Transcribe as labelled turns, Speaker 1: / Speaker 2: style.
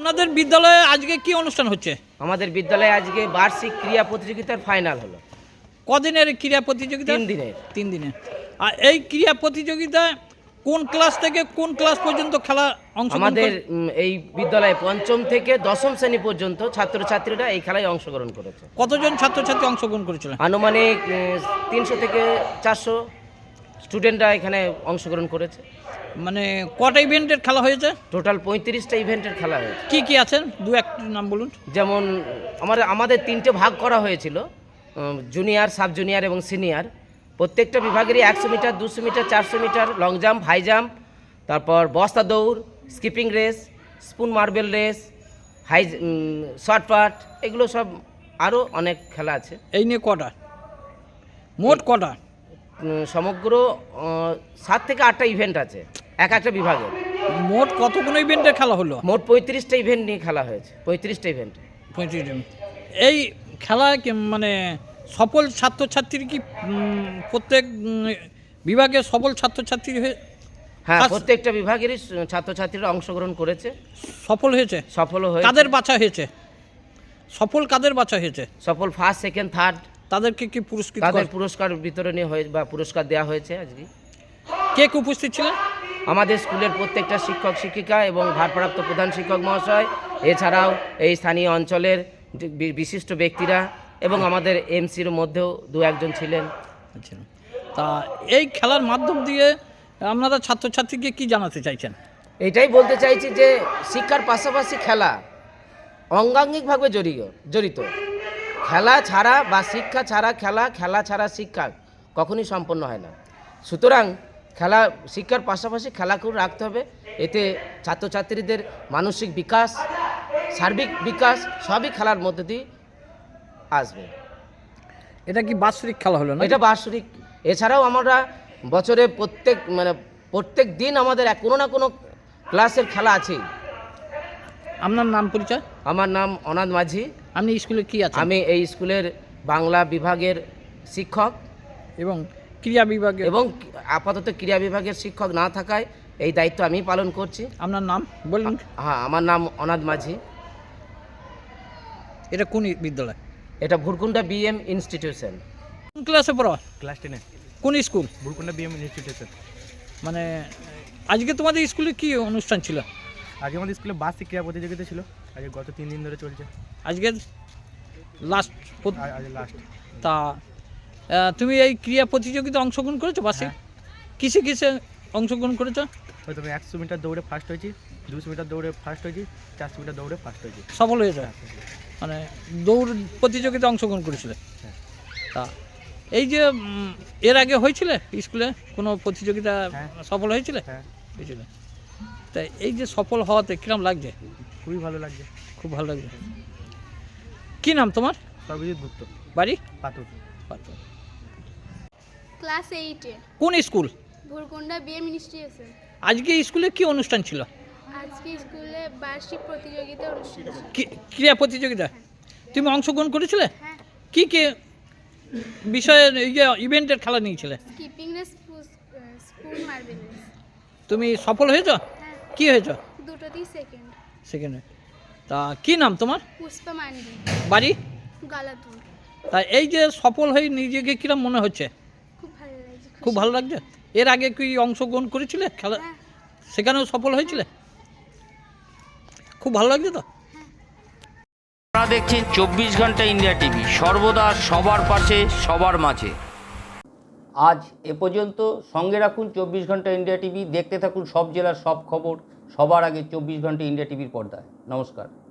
Speaker 1: আপনাদের বিদ্যালয়ে আজকে কি অনুষ্ঠান হচ্ছে?
Speaker 2: আমাদের বিদ্যালয়ে আজকে বার্ষিক ক্রীড়া প্রতিযোগিতার ফাইনাল হলো।
Speaker 1: কদিনের ক্রীড়া প্রতিযোগিতা?
Speaker 2: 3 দিনের।
Speaker 1: 3 দিনের। আর এই ক্রীড়া প্রতিযোগিতায় কোন ক্লাস থেকে কোন ক্লাস পর্যন্ত খেলা অংশগ্রহণ?
Speaker 2: আমাদের এই বিদ্যালয়ে ৫ম থেকে ১০ম শ্রেণী পর্যন্ত ছাত্রছাত্রীরা এই খেলায় অংশগ্রহণ করেছে।
Speaker 1: কতজন ছাত্রছাত্রী অংশগ্রহণ করেছিল?
Speaker 2: আনুমানিক ৩০০ থেকে ৪০০ স্টুডেন্টরা এখানে অংশগ্রহণ করেছে।
Speaker 1: মানে কটা ইভেন্টের খেলা হয়েছে?
Speaker 2: টোটাল ৩৫টা ইভেন্টের খেলা হয়েছে।
Speaker 1: কি কি আছেন দু একটি নাম বলুন।
Speaker 2: যেমন আমাদের 3টে ভাগ করা হয়েছিল, জুনিয়র, সাব জুনিয়র এবং সিনিয়র। প্রত্যেকটা বিভাগেরই 100 metre, 200 metre, 400 metre, long jump, high jump, তারপর বস্তা দৌড়, skipping race, spoon marble race, shotput, এগুলো সব আরও অনেক খেলা আছে।
Speaker 1: এই নিয়ে কটা, মোট কটা?
Speaker 2: সমগ্র 7 থেকে 8টা ইভেন্ট আছে একটা বিভাগে।
Speaker 1: মোট কতগুলো ইভেন্টের খেলা হলো?
Speaker 2: মোট 35টা ইভেন্ট নিয়ে খেলা হয়েছে। 35টা ইভেন্ট।
Speaker 1: 35 এই খেলায় মানে সফল ছাত্রছাত্রী কি প্রত্যেক বিভাগে সফল ছাত্রছাত্রী হয়ে?
Speaker 2: হ্যাঁ, প্রত্যেকটা বিভাগেরই ছাত্রছাত্রীরা অংশগ্রহণ করেছে।
Speaker 1: সফল হয়েছে?
Speaker 2: সফল হয়েছে।
Speaker 1: কাদের বাছা হয়েছে? সফল কাদের বাছা হয়েছে?
Speaker 2: সফল ফার্স্ট, সেকেন্ড, থার্ড।
Speaker 1: তাদেরকে কি পুরস্কৃত?
Speaker 2: তাদের পুরস্কার বিতরণী হয়ে বা পুরস্কার দেওয়া হয়েছে আজকে।
Speaker 1: কে কে উপস্থিত ছিলেন?
Speaker 2: আমাদের স্কুলের প্রত্যেকটা শিক্ষক শিক্ষিকা এবং ভারপ্রাপ্ত প্রধান শিক্ষক মহাশয়, এছাড়াও এই স্থানীয় অঞ্চলের বিশিষ্ট ব্যক্তিরা এবং আমাদের এমসির মধ্যেও 2-1 জন ছিলেন।
Speaker 1: আচ্ছা, তা এই খেলার মাধ্যম দিয়ে আপনারা ছাত্রছাত্রীকে কি জানাতে চাইছেন?
Speaker 2: এটাই বলতে চাইছি যে শিক্ষার পাশাপাশি খেলা অঙ্গাঙ্গিকভাবে জড়িত। খেলা ছাড়া বা শিক্ষা ছাড়া খেলা, খেলা ছাড়া শিক্ষা কখনই সম্পন্ন হয় না। সুতরাং শিক্ষার পাশাপাশি খেলাকেও রাখতে হবে। এতে ছাত্রছাত্রীদের মানসিক বিকাশ, সার্বিক বিকাশ সবই খেলার মধ্যে দিয়ে আসবে।
Speaker 1: এটা কি বাৎসরিক খেলা হলো না?
Speaker 2: এটা বাৎসরিক। এছাড়াও আমরা বছরে প্রত্যেক দিন আমাদের কোনো না কোনো ক্লাসের খেলা আছেই।
Speaker 1: আপনার নাম পরিচয়?
Speaker 2: আমার নাম অনাথ মাঝি।
Speaker 1: আপনি স্কুলে কি আছেন?
Speaker 2: আমি এই স্কুলের বাংলা বিভাগের শিক্ষক
Speaker 1: এবং ক্রীড়া বিভাগে,
Speaker 2: এবং আপাতত ক্রীড়া বিভাগের শিক্ষক না থাকায় এই দায়িত্ব আমি পালন করছি।
Speaker 1: আপনার নাম বলুন।
Speaker 2: হ্যাঁ, আমার নাম অনাথ মাঝি।
Speaker 1: এটা কোন বিদ্যালয়?
Speaker 2: এটা ভুরকুন্ডা বিএম ইনস্টিটিউশন।
Speaker 1: কোন ক্লাসে পড়ো?
Speaker 3: ক্লাস 10-এ।
Speaker 1: কোন স্কুল?
Speaker 3: Bhurkunda BM institution.
Speaker 1: মানে আজকে তোমাদের স্কুলে কি অনুষ্ঠান ছিল?
Speaker 3: আজকে আমাদের স্কুলে বার্ষিক ক্রীড়া প্রতিযোগিতা ছিল। আজকে গত 3 দিন ধরে চলছে।
Speaker 1: আজকে লাস্ট।
Speaker 3: আজ লাস্ট।
Speaker 1: তা তুমি এই ক্রীড়া প্রতিযোগিতা অংশগ্রহণ করেছো বার্ষিক? কিসে কিসে অংশগ্রহণ করেছো?
Speaker 3: হয়তো আমি 100 মিটার দৌড়ে ফার্স্ট হয়েছি, 200 মিটার দৌড়ে ফার্স্ট হয়েছি, 400 মিটার দৌড়ে ফার্স্ট হয়েছি।
Speaker 1: সফল হয়েছে? মানে দৌড় প্রতিযোগিতা অংশগ্রহণ করেছিলে? তা এই যে এর আগে হয়েছিল স্কুলে কোনো প্রতিযোগিতা সফল হয়েছিল? হয়েছিল। তাই এই যে সফল হওয়াতে কিরম লাগছে?
Speaker 3: খুবই ভালো লাগছে।
Speaker 1: খুব ভালো লাগছে। কি নাম তোমার?
Speaker 3: সর্বজিৎ গুপ্ত।
Speaker 1: বাড়ি?
Speaker 3: পাতুর।
Speaker 1: পাতুর।
Speaker 4: ক্লাস 8-এ।
Speaker 1: কোন স্কুল?
Speaker 4: Bhurkunda BM institution.
Speaker 1: আজকে স্কুলে কি অনুষ্ঠান ছিল?
Speaker 4: আজকে স্কুলে বার্ষিক প্রতিযোগিতা অনুষ্ঠিত ছিল।
Speaker 1: ক্রীড়া প্রতিযোগিতা তুমি অংশগ্রহণ করেছিলে?
Speaker 4: হ্যাঁ।
Speaker 1: কি কি বিষয়ে ইভেন্টের খেলা নিয়েছিলে?
Speaker 4: Skipping race, spoon marble race.
Speaker 1: তুমি সফল হয়েছো?
Speaker 4: হ্যাঁ।
Speaker 1: কি হয়েছো?
Speaker 4: দুটোতেই সেকেন্ড।
Speaker 1: সেকেন্ডে। তা কি নাম তোমার?
Speaker 4: পুষ্পা মান্ডি।
Speaker 1: বাড়ি?
Speaker 4: গালাতুর।
Speaker 1: তা এই যে সফল হয়ে নিজেকে কিরম মনে হচ্ছে?
Speaker 4: খুব ভালো লাগছে।
Speaker 1: খুব ভালো লাগছে। এর আগে কি অংশগ্রহণ করেছিলে খেলা?
Speaker 4: হ্যাঁ।
Speaker 1: সেখানেও সফল হয়েছিলে? খুব ভালো লাগছে তো?
Speaker 5: আপনারা দেখছেন 24 ঘন্টা ইন্ডিয়া টিভি, সর্বদা সবার পাশে সবার মাঝে। আজ এ পর্যন্ত। সঙ্গে রাখুন 24 ঘন্টা ইন্ডিয়া টিভি। দেখতে থাকুন সব জেলার সব খবর সবার আগে 24 ঘন্টা ইন্ডিয়া টিভির পর্দায়। নমস্কার।